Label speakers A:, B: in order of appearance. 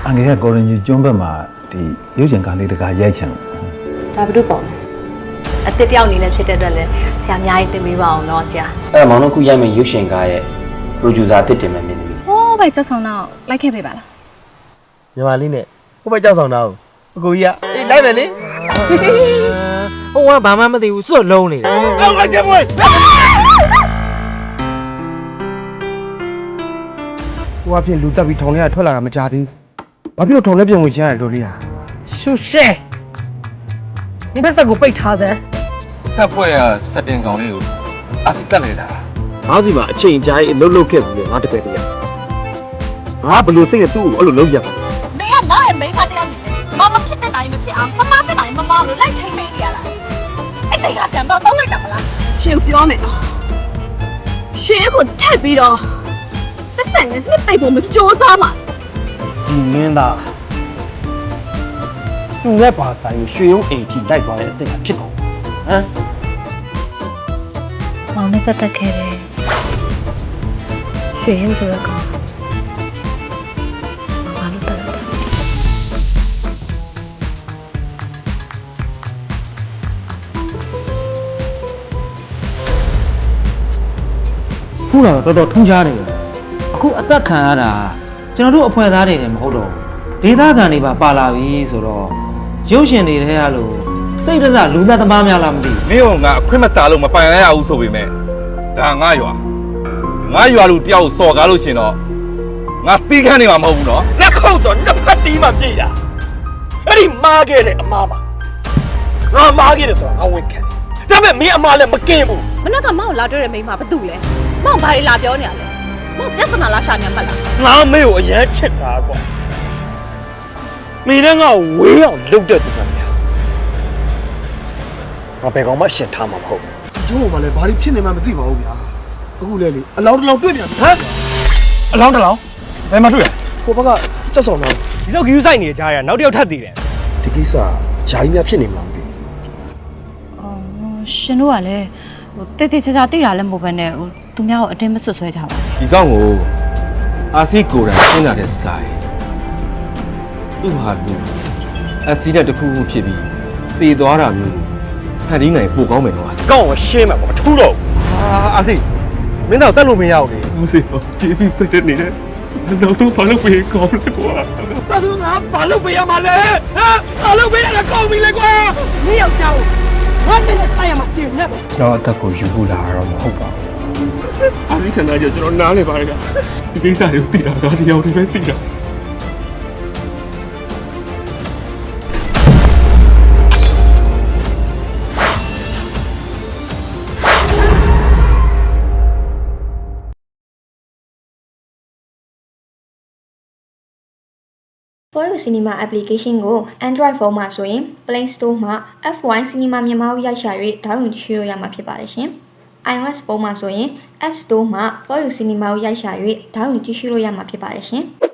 A: အငယ်ကကိုရင်ကြီးကျွန်းဘက်မှာဒီရုပ်ရှင်ကားလေးတကားရိုက်ချင်လို့
B: ဒါဘယ်လိုပေါ့လဲအစ်တစ်တယောက်အနေနဲ့ဖြစ်တဲ့အတွက်လည်းဆရာအများကြီးသင်ပေးပါအောင်နော်ဆရာ
C: အဲ့မောင်တို့ခုရိုက်မယ့်ရုပ်ရှင်ကားရဲ့ producer တစ်တင်မယ်မင်းသမီး
D: ဟိုးပဲကြောက်ဆောင်တော့လိုက်ခဲ့ပေးပါလား
E: ညီမလေးနဲ့ဟိုဘက်ကြောက်ဆောင်တာကိုအကိုကြီးကအေးလိုက်မယ်လေ
F: ဟိုကဘာမှမသိဘူးစွတ်လုံးနေတယ်
E: လောက်လိုက်ချက်မွေးဟိုအဖြစ်လူတက်ပြီးထောင်ထဲကထွက်လာတာမကြသေးဘူးဘာဖြစ်လို့ထောင်ထဲပြန်ဝင်ချင်ရလဲတို့လေးဟာ
F: ရှုရှဲဒီဘက်ဆက်ကိုပိတ်ထားစမ်း
G: ဆက်ဖွဲ့ရစက်တင်ကောင်လေးကိုအစစ်တက်နေတာ
C: ငါးစီမှာအချိန်ကြာရေးအလုပ်လုပ်ခဲ့ဘူးလေငါတပည့်တည်းငါဘယ်လိုစိတ်နဲ့သူ့ကိုအဲ့လိုလုပ်ရပါ
H: မင်းကငါ့ရဲ့မိန်းမတစ်ယောက်နေတယ်မမဖြစ်တဲ့နိုင်မဖြစ်အောင်မမဖြစ်နိုင်မမလို့လိုက်ထိန်နေရလားအဲ့ဒါကဆံတော့တော့လိုက်တာမလားရှင်ပြောမယ်နော်ရှင်ကိုထက်ပြီးတော့သက်သက်နဲ့နှစ်သိပ်ဖို့မကြိုးစားမှာ
C: ဒီမင်းသားသူ့ရဲ့ဘာသာရေးရွှေရုံးအိမ်ကြီးလိုက်သွားတဲ့အစိတ်ကဖြစ်ကုန်ဟမ်
B: မောင်နဲ့ပတ်သက်ခဲ့တယ်ရွှေရင်ဆိုတော့ကောင်းဘာလို့တက်လဲ
C: ခုတော့တော်တော်ထူးခြားနေတယ်အခုအသက်ခံရတာကျွန်တော်တို့အဖွဲ့သားတွေလည်းမဟုတ်တော့ဘူးဒေသခံတွေပါပါလာပြီဆိုတော့ရုပ်ရှင်တွေထဲရလို့စိတ်တစလူသားသမားများလားမသိဘူး
G: မင်းကငါအခွင့်မတာလို့မပိုင်ရဘူးဆိုပေမဲ့ဒါငါရွာလူတယောက်စော်ကားလို့ရှင်တော့ငါတီးခန့်နေမှာမဟုတ်ဘူးနော်
E: လက်ခုပ်ဆိုနှစ်ဖက်တီးမှပြည့်တာအဲ့ဒီမားခဲ့တဲ့အမားပါငါမားခဲ့တယ်ဆိုတာငါဝင်ခံတယ်ဒါပေမဲ့မင်းအမားလည်းမကင်းဘူး
H: မနက်ကမောင်လာတွေ့တဲ့မိန်းမဘာတူလဲမောင်ဘာတွေလာပြောနေရလဲမောင်ပြဿနာလားရှာနေမှတ်လား
E: ငါမေကိုအရန်ချစ်တာကွာမင်းနဲ့ငါ့ကိုဝေးအောင်လုပ်တဲ့သူကများငါဘယ်ကောင်မှရှင်းထားမှာမဟုတ်ဘူး
I: ကျိုးကလည်းဘာလို့ဖြစ်နေမှမသိပါဘူးဗျာအခုလဲလေအလောင်းတစ်လောင်းတွေ့ပြန်ပြီ
E: ဟမ်အလောင်းတစ်လောင်းဘယ်မှာတွေ့ရ
I: ကိုဘက်ကကြောက်ဆောင်တော့
E: ဒီလောက်ကြီးဆိုင်နေကြရနောက်တစ်ယောက်ထပ်တည်တယ်
I: ဒီကိစ္စယာယီများဖြစ်နေမှာမသိဘူး
J: ရှင်တို့ကလည်းဟိုတိတ်တိတ်ချာချာသိတာလည်းမဟုတ်ဘဲနဲ့ဟိုသူများကိုအတင်းမဆွဆွဲကြပါဘူး
G: ဒီကောင်ကိုအာစီကိုယ်တိုင်ရှင်းလာတဲ့စာရယ်သူ့ဟာသူအစီတဲ့တစ်ခုခုဖြစ်ပြီးတည်သွားတာမျိုးဖန်တီးနိုင်ပိုကောင်းမယ်နော်
E: ကောင်းကိုရှင်းမှာပေါ့မထူးတော့အာစီမင်းတော့တက်လို့မရဘူးလေ
G: ဘူးစေကျေးဇူးစိတ်တဲ့နေတယ်နောက်ဆုံးဘာလို့ပြေကောင်းလဲကွာ
E: တာသူငါဘာလုပ်ပေးရမှာလဲဟမ်ဘာလုပ်ပေးရတာကောင်းပြီလေကွာမင်းယောက်ျားကိုငါနဲ့တိုက်ရမှာကျင်းနေပဲ
C: ကျွန်တော်အသက်ကိုယူဖို့လာတော့မဟုတ်ပါဘူး
G: အာရီခန္ဓာကျကျွန်တော်နားလေပါလေကဒီကိစ္စတွေကိုသိတာငါတယောက်တည်းပဲသိတာ
K: Foyu Cinema application ကို Android phone မှာဆိုရင် Play Store မှာ F1 Cinema မြန်မာကိုရိုက်ရှာ၍ဒေါင်းလုဒ်ချိုးလို့ရမှာဖြစ်ပါတယ်ရှင်။ iOS ဖုန်းမှာဆိုရင် App Store မှာ Foyu Cinema ကိုရိုက်ရှာ၍ဒေါင်းလုဒ်ကြည့်ရှုလို့ရမှာဖြစ်ပါတယ်ရှင်။